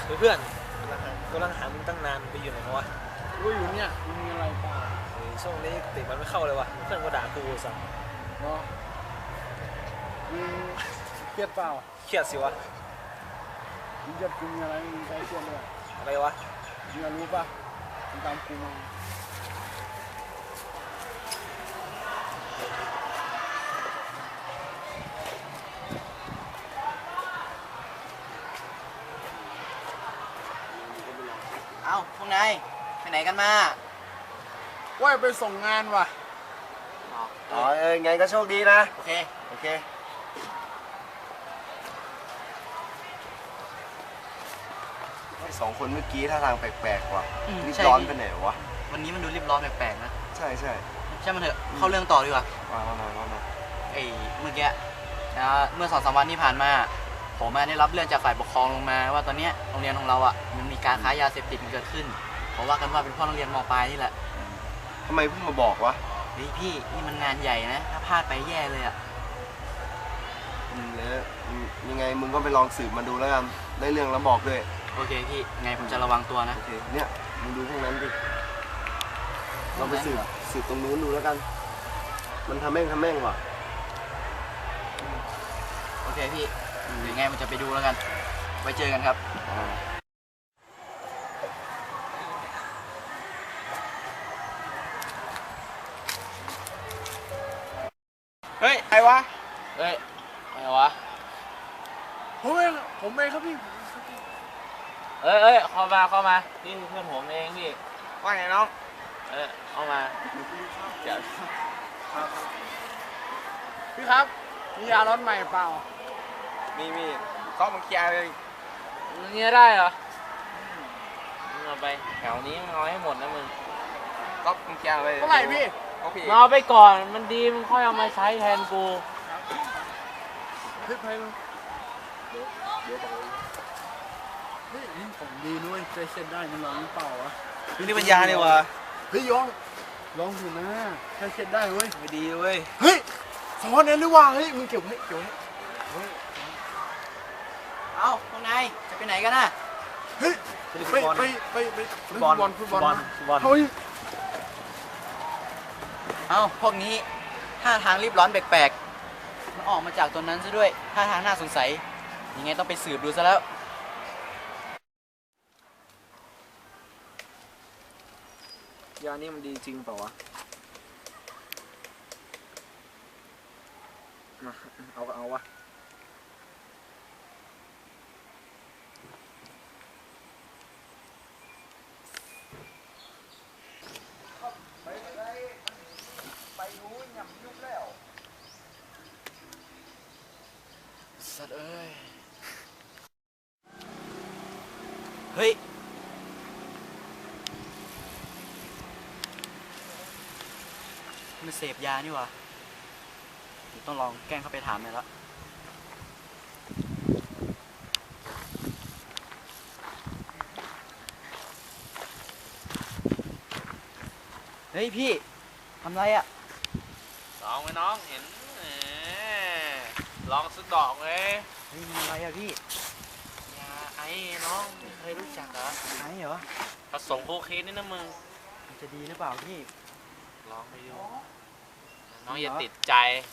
เพื่อนกำลังหามึงตั้งนานไปอยู่ไหนวะกูอยู่เนี่ยมีอะไรเปล่าช่วงนี้ติดมันไม่เข้าเลยวะเพื่อนก็ด่ากูสั่งเนาะมึงเครียดเปล่าเครียดสิวะมึงจะกินอะไรมึงใจเครียดเลยอะไรวะมึงรู้ป่ะมึงตามกูมาเอ้าพวกนายไปไหนกันมาว่าไปส่งงานว่ะอ๋อไงก็โชคดีนะโอเคสองคนเมื่อกี้ท่าทางแปลกๆว่ะรีบร้อนไปไหนวะวันนี้มันดูรีบร้อนแปลกๆนะใช่มันเถอะเข้าเรื่องต่อดีกว่าว่าไอ้เมื่อกี้นะเมื่อ2-3 วันที่ผ่านมาผมได้รับเรื่องจากฝ่ายปกครองลงมาว่าตอนนี้โรงเรียนของเราอ่ะมันมีการค้ายาเสพติดเกิดขึ้นเพราะว่ากันว่าเป็นพ่อโรงเรียนม.ปลายนี่แหละทำไมเพิ่งมาบอกวะเฮ้ยพี่นี่มันงานใหญ่นะถ้าพลาดไปแย่เลยอ่ะแล้วยังไงมึงก็ไปลองสืบมาดูแล้วกันได้เรื่องแล้วบอกด้วยโอเคพี่ไงผมจะระวังตัวนะโอเคเนี่ยมึงดูพวกนั้นดิเราไปสืบตรงนู้นดูแล้วกันมันทำแม่งว่ะโอเคพี่เดี๋ยวไงมันจะไปดูแล้วกันไว้เจอกันครับเฮ้ยไอ้วะเฮ้ยอะไรวะผมเองครับพี่เข้ามานี่เพื่อนผมเองพี่ว่าไงน้องเข้ามาเดี๋ยวพี่ครับมียารถใหม่เปล่ามีก็มึงเคลียร์เลยเนี่ยได้เหรอมึงเอาไปแถวนี้มึงเอาให้หมดนะมึงก็มึงเคลียร์เลยเท่าไหร่พี่เอาไปก่อนมันดีมึงค่อยเอามาใช้แทนกูเฮ้ยเดี๋ยวเฮ้ยนี่ของดีนุ้ยใจเช็ดได้มันร้องเปล่าวะนี่ปัญญาเนี่ยวะเฮ้ยลองดูนะใจเช็ดได้เว้ยไม่ดีเว้ยเฮ้ยสอนนั้นหรือว่าเฮ้ยมึงเก็บไว้เอ้าพวกนายจะไปไหนกันน่ะเฮ้ยไปฟุตบอลเฮ้ยเอ้าพวกนี้ท่าทางรีบร้อนแปลกๆมันออกมาจากตัวนั้นซะด้วยท่าทางน่าสงสัยยังไงต้องไปสืบดูซะแล้วยานี่มันดีจริงเปล่าวะมาเอาวะสัตว์เอ้ยเฮ้ยมันเสพยานี่วะต้องลองแกล้งเข้าไปถามมันแล้วเฮ้ยพี่ทำไรอ่ะลองไหมน้องเห็นลองสักดอกเลยเฮ้ยอะไรอ่ะพี่ยาไอ้น้องไม่เคยรู้จักเหรอไอ้เหรอผสมโคเคนนี่นะมึงมันจะดีหรือเปล่าพี่ลองไปดูน้องอย่าติดใจ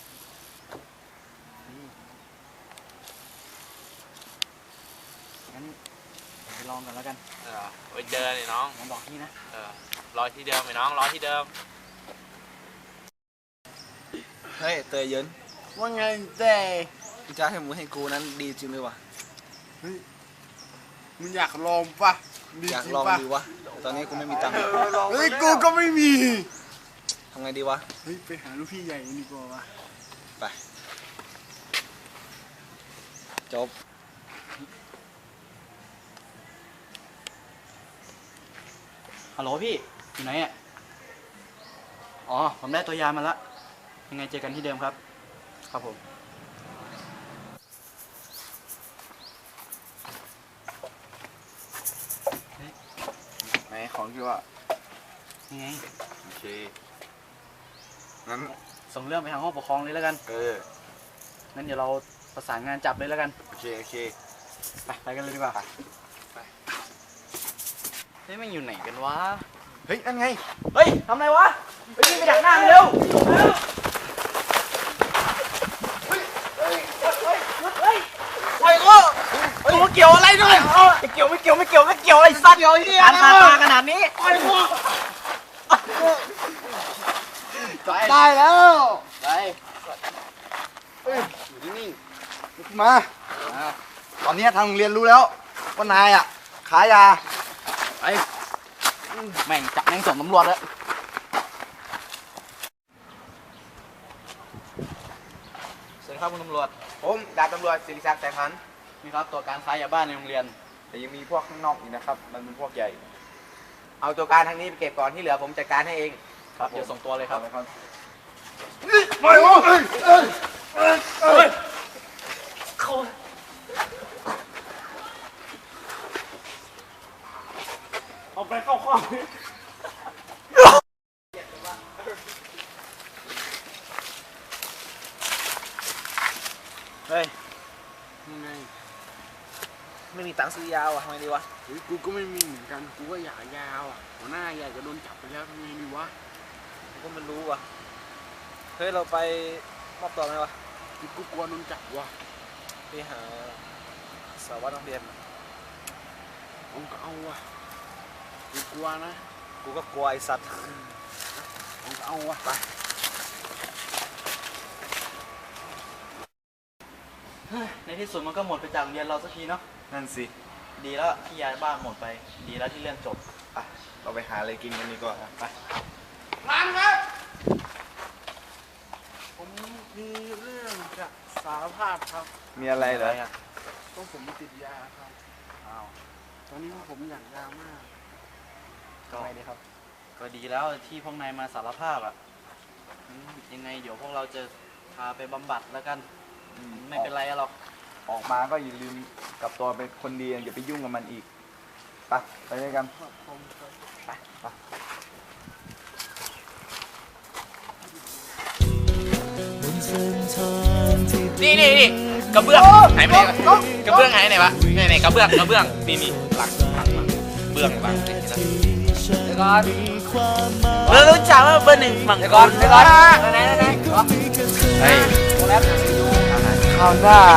งั้นไปลองกันแล้วกันไปเดินเลยน้องบอกพี่นะรอที่เดิมไหมน้องรอที่เดิมเฮ้ยเตยเยินว่าไงแต่จะให้มึงให้กูนั้นดีจริงเลยวะเฮ้ยมึงอยากลองปะอยากลองดีวะตอนนี้กูไม่มีตังค์เฮ้ยกูก็ไม่มีทำไงดีวะเฮ้ยไปหาลูกพี่ใหญ่ดีกว่าวะไปจบฮัลโหลพี่อยู่ไหนอ่ะอ๋อผมได้ตัวยามาแล้วยังไงเจอกันที่เดิมครับครับผมไหนของที่ว่ายังไงโอเคงั้นส่งเรื่องไปทางห้องปกครองเลยแล้วกันงั้นเดี๋ยวเราประสานงานจับเลยแล้วกันโอเคไปกันเลยดีกว่าไปเฮ้ยมันอยู่ไหนกันวะเฮ้ยนั่นไงเฮ้ยทำไรวะไปยิงไปดักหน้ามันเร็วไอ้กูกูเกี่ยวอะไรด้วยไม่เกี่ยวไอ้สัตว์การตาขนาดนี้ไอ้กูได้แล้วไปอยู่นิ่งๆลุกขึ้นมาตอนนี้ทางโรงเรียนรู้แล้วว่านายอ่ะขายยาไปแม่งจับแม่งส่งตำรวจแล้วสวัสดีครับคุณตำรวจผมดาบตำรวจศิริศักดิ์แสงพันธ์นี่ครับตัวการค้ายาบ้าในโรงเรียนแต่ยังมีพวกข้างนอกอีกนะครับ มันเป็นพวกใหญ่ เอาตัวการทางนี้ไปเก็บก่อนที่เหลือผมจัดการให้เองครับเดี๋ยวส่งตัวเลยครับไม่โอ้ยเอาไปเข้าข้อเฮ้ยยังไงไม่มีตังค์ซื้อยาวอ่ะทำไงดีวะเฮ้ยกูก็ไม่มีเหมือนกันกูก็อยากยาวอ่ะหัวหน้าอยากจะโดนจับไปแล้วทำไงดีวะกูก็ไม่รู้ว่ะเฮ้ยเราไปมอบตัวไหมวะกูกลัวโดนจับวะไปหาสารวัตรโรงเรียนเอาก็เอาวะกูกลัวนะกูก็กลัวไอ้สัตว์เอาก็เอาวะไปในที่สุดมันก็หมดไปจากโรงเรียนเราสักทีเนาะนั่นสิดีแล้วที่ยาบ้าหมดไป ดีแล้วที่เรื่องจบอ่ะเราไปหาอะไรกินกันดีกว่าไปร้านครับผมมีเรื่องจะสารภาพครับมีอะไรเหรอต้องผมติดยาครับอ้าวตอนนี้ผมอยากยามากก็ดีครับ ก็ดีแล้วที่พวกนายมาสารภาพอ่ะยังไงเดี๋ยวพวกเราจะพาไปบำบัดแล้วกัน ไม่เป็นไรหรอกออกมาก็อย่าลืมกลับตัวเป็นคนดีอย่าไปยุ่งกับมันอีก ไปด้วยกันนี่กระเบื้องหายไปไหนวะกระเบื้องหายไปไหนวะไหนกระเบื้องนี่หลังเบื้องหลังเดี๋ยวก่อนเรารู้จักว่าเบอร์หนึ่งฝั่งก่อนไหนเฮ้ยข้าวหน้า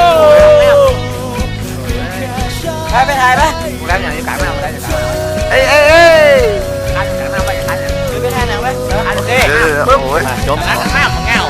ไปถ่ายไหมกูแล้วอย่างนี้กลางหน้ามาได้จะกลางเอ้ยกลางหน้าไปจะกลางไปถ่ายหนังไหมโอเคปึ๊บจบนะหน้ามันเงา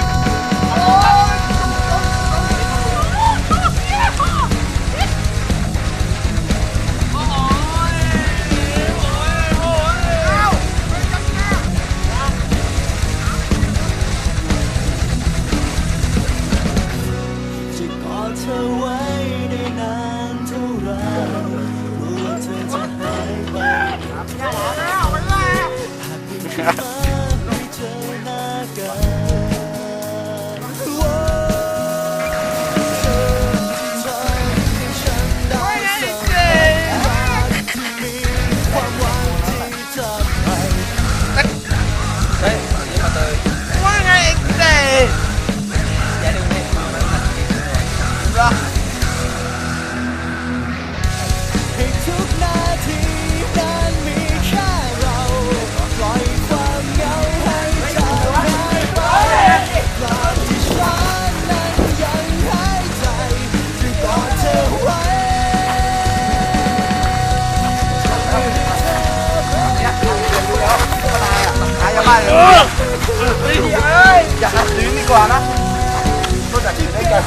อย่าหักลิ้นดีกว่านะก็จะกินได้กัน